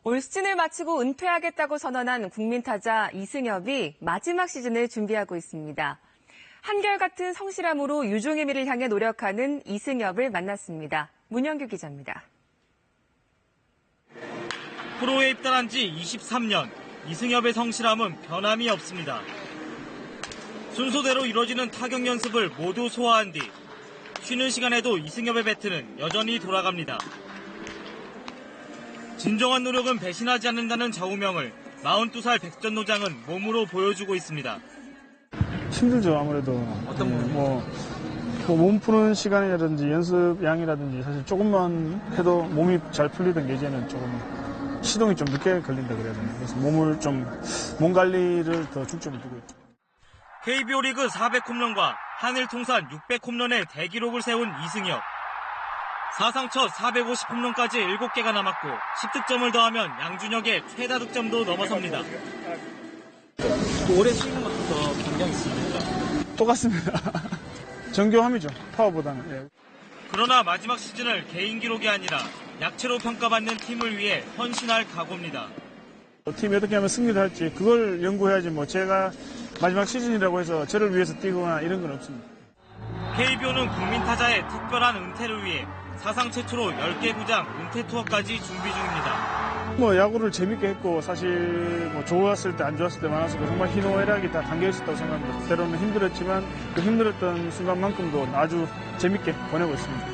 올 시즌을 마치고 은퇴하겠다고 선언한 국민타자 이승엽이 마지막 시즌을 준비하고 있습니다. 한결같은 성실함으로 유종의 미를 향해 노력하는 이승엽을 만났습니다. 문영규 기자입니다. 프로에 입단한 지 23년, 이승엽의 성실함은 변함이 없습니다. 순서대로 이뤄지는 타격 연습을 모두 소화한 뒤 쉬는 시간에도 이승엽의 배트는 여전히 돌아갑니다. 진정한 노력은 배신하지 않는다는 좌우명을 42살 백전노장은 몸으로 보여주고 있습니다. 힘들죠, 아무래도. 어떤 부분이? 몸 푸는 시간이라든지 연습량이라든지 사실 조금만 해도 몸이 잘 풀리던 게 이제는 조금 시동이 좀 늦게 걸린다 그래야 되나. 그래서 몸 관리를 더 중점을 두고 있죠. KBO 리그 400홈런과 한일 통산 600홈런의 대기록을 세운 이승엽. 사상 첫 450홈런까지 7개가 남았고 10득점을 더하면 양준혁의 최다 득점도 넘어섭니다. 올해 스윙은 어떻게 감정이 있습니까? 똑같습니다. 정교함이죠, 파워보다는. 예. 그러나 마지막 시즌을 개인 기록이 아니라 약체로 평가받는 팀을 위해 헌신할 각오입니다. 팀이 어떻게 하면 승리를 할지 그걸 연구해야지 제가 마지막 시즌이라고 해서 저를 위해서 뛰거나 이런 건 없습니다. KBO는 국민타자의 특별한 은퇴를 위해 사상 최초로 10개 구장 은퇴 투어까지 준비 중입니다. 야구를 재밌게 했고 사실 좋았을 때 안 좋았을 때 많았을 때 정말 희노애락이 다 담겨 있었다고 생각합니다. 때로는 힘들었지만 그 힘들었던 순간만큼도 아주 재밌게 보내고 있습니다.